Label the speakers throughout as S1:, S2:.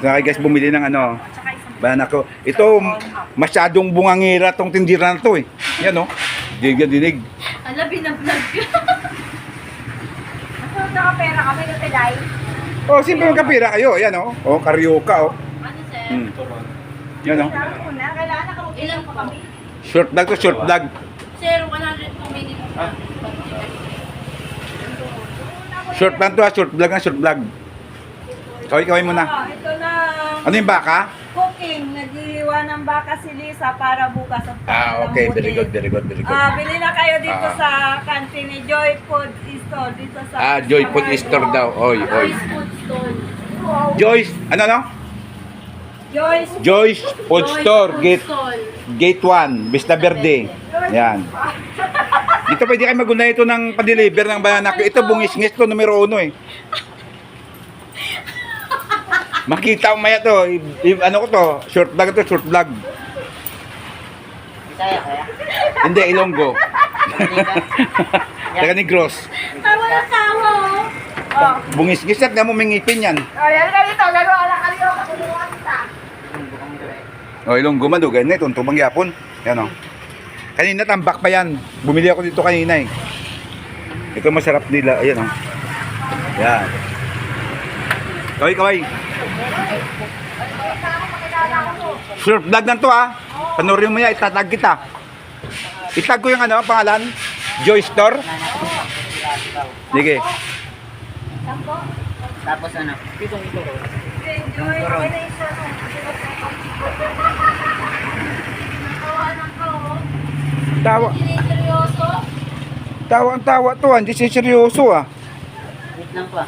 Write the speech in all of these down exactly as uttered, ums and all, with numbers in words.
S1: Saka guys, bumili ng ano. Bayan ako. Ito, masyadong bungangira tong tindira na to eh. Yan o. Dinig na dinig.
S2: Ala, binablog ka.
S3: Ano, nakapera kami na tilay?
S1: Oh, simple yung kapira kayo. Yan o. Oh, karyoka o.
S2: Ano, sir?
S1: Hmm. Yan o.
S3: Kailangan ko na, kailangan nakaupilan pa kami.
S1: Short vlog to, short vlog.
S2: Sir, one hundred two minutes.
S1: Short vlog to ha, short vlog na, short vlog. Kaway, kaway muna.
S3: Ah, ito na.
S1: Ano yung baka?
S3: Cooking. Nag-iwan ng baka si Lisa para bukas at
S1: Ah, okay. Very good, very good, very good.
S3: Ah, bili na kayo dito
S1: Ah.
S3: sa kantin ni Joy Food Store dito sa
S1: Ah, Joy Food Store daw. Oy, oy.
S2: Joyce Food Stall.
S1: Joyce, ano no?
S3: Joyce
S1: Joyce Food
S2: Joyce
S1: Store,
S2: Food
S1: gate
S2: Stall.
S1: gate one, Vista Verde. Yan. Dito pwede kayo maguna ito ng pa-deliver ng banana. Ito bungis-ngis to, numero uno eh. Makita mo maya to. I, i- ano ko to? Short vlog to, short vlog.
S4: Bisaya kaya?
S1: Hindi, Ilonggo. Taga Negros.
S3: Tawa na tawa, oh. Oh.
S1: Bungis-ngis at nga mo may ngipin yan.
S3: Oh, yan ka dito. Laro, ala ka dito. Katulungan kita.
S1: O, Ilonggo man, do, ganyan, itong tumang yapon. Yan o. Kanina tambak pa yan. Bumili ako dito kanina eh. Ito masarap nila. Ayan o. Yan. Kaway, kaway. Short vlog na to ha. Panoorin mo yan, itatag kita. Itag ko yung ano, pangalan? Joy Store. Sige.
S4: Tapos ano? Pitong ito ko.
S3: Joy, okay na isa.
S1: Tawa.
S2: Seryoso?
S1: Tawa ang tawa to ha. Hindi siya seryoso ah.
S4: Wait lang po ah.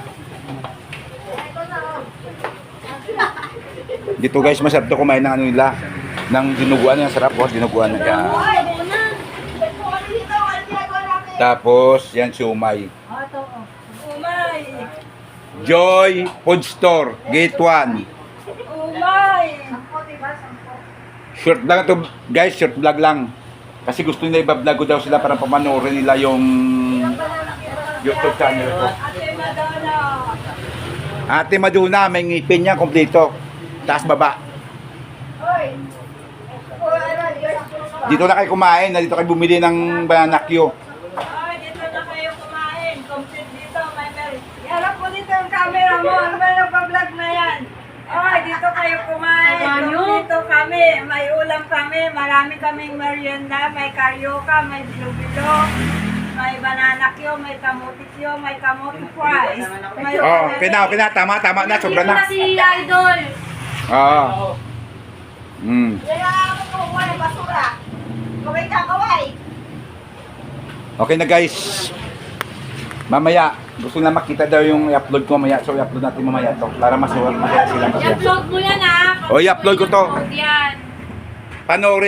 S1: Dito guys, masarap to kumain ng ano nila. Ng dinuguan na sarap po. Dinuguan na yan. Tapos, yan siumay.
S3: Umay.
S1: Joy Food Store, Gate one.
S3: Umay.
S1: Short vlog to guys, short vlog lang. Kasi gusto nila iba-vlog ko daw sila para pamanoorin nila yung YouTube channel ko.
S3: Ate Madonna.
S1: Ate Maduna, may ngipin niya kompleto. Taas baba.
S3: Hoy.
S1: Dito na kayo kumain, na dito kayo bumili ng banana Q.
S3: Ay, dito na kayo kumain. Complete dito, may meron. Yarap po dito yung camera mo. Ano ba nagpa-vlog na yan? Ay, dito kayo kumain.
S2: Ano?
S3: Dito kami. May ulam kami. Marami kaming merienda. May karyoka, may bilo-bilo. May banana Q, may kamuti Q, may kamuti fries. May
S1: Oh, okay na, okay na. Tama, tama na. Sobra na.
S2: Si Idol.
S1: Oo. Mm.
S3: Kaya ako kumuha ng basura. Kaway ka, kaway.
S1: Okay na guys. Mamaya, gusto na makita daw yung i-upload ko mamaya. So, i-upload natin mamaya to para masuwag makita sila.
S2: I-upload mo yan ah.
S1: Oh, i-upload ko to.
S2: Yan.
S1: Panoorin.